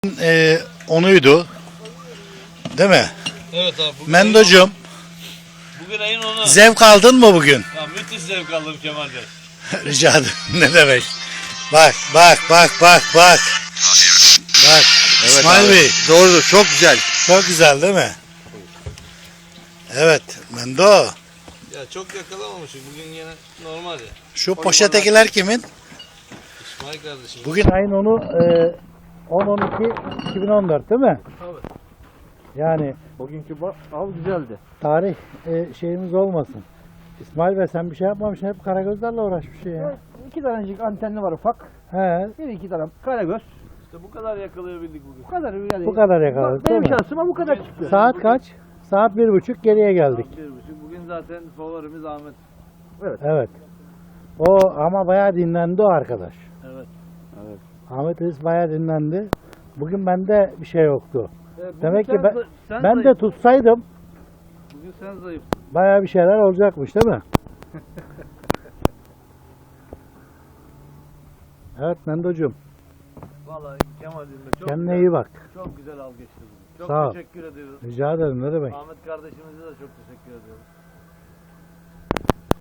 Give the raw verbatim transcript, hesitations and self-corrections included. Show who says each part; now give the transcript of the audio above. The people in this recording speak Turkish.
Speaker 1: Ee, onuydu. Değil mi?
Speaker 2: Evet abi. Bugün
Speaker 1: Mendocuğum,
Speaker 2: ayın- Bugün ayın onu.
Speaker 1: zevk aldın mı bugün?
Speaker 2: Ya müthiş zevk aldım Kemal Bey.
Speaker 1: Rica ederim. Ne demek? Bak, bak, bak, bak, bak. Bak, İsmail Bey.
Speaker 3: Doğrudur, çok güzel.
Speaker 1: Çok güzel değil mi? Evet, Mendo.
Speaker 2: Ya çok yakalamamışız. Bugün yine normal ya.
Speaker 1: Şu poşetekiler kimin?
Speaker 2: İsmail kardeşim.
Speaker 1: Bugün ayın onu e, on on iki iki bin on dört değil mi?
Speaker 2: Tabii.
Speaker 1: Yani
Speaker 3: Bugünkü av güzeldi.
Speaker 1: tarih e, şeyimiz olmasın. İsmail Bey sen bir şey yapmamışsın, hep karagözlerle uğraşmışsın ya.
Speaker 3: İki tanecik antenli var ufak.
Speaker 1: He,
Speaker 3: Bir iki tane karagöz.
Speaker 2: İşte bu kadar yakalayabildik bugün.
Speaker 3: Bu kadar yani.
Speaker 1: bu kadar yakaladık değil
Speaker 3: Benim
Speaker 1: mi?
Speaker 3: şansıma bu kadar çıktı.
Speaker 1: Saat kaç? Saat bir buçuk geriye geldik.
Speaker 2: Saat bir buçuk. Bugün zaten favorimiz Ahmet.
Speaker 1: Evet. O ama bayağı dinlendi o arkadaş.
Speaker 2: Evet.
Speaker 1: Ahmet Reis bayağı dinlendi. Bugün bende bir şey yoktu.
Speaker 2: E, bugün
Speaker 1: Demek ki
Speaker 2: sen
Speaker 1: ben,
Speaker 2: zayıf- sen
Speaker 1: ben de
Speaker 2: zayıf.
Speaker 1: tutsaydım
Speaker 2: Bugün sen zayıf.
Speaker 1: bayağı bir şeyler olacakmış değil mi? Evet Mendocuğum,
Speaker 2: Vallahi Kemal'im de çok
Speaker 1: kendine
Speaker 2: güzel,
Speaker 1: iyi bak.
Speaker 2: çok güzel av geçti bugün. Çok
Speaker 1: Sağ ol.
Speaker 2: teşekkür ediyoruz.
Speaker 1: Rica ederim, ne demek.
Speaker 2: Ahmet kardeşimize de çok teşekkür ediyoruz.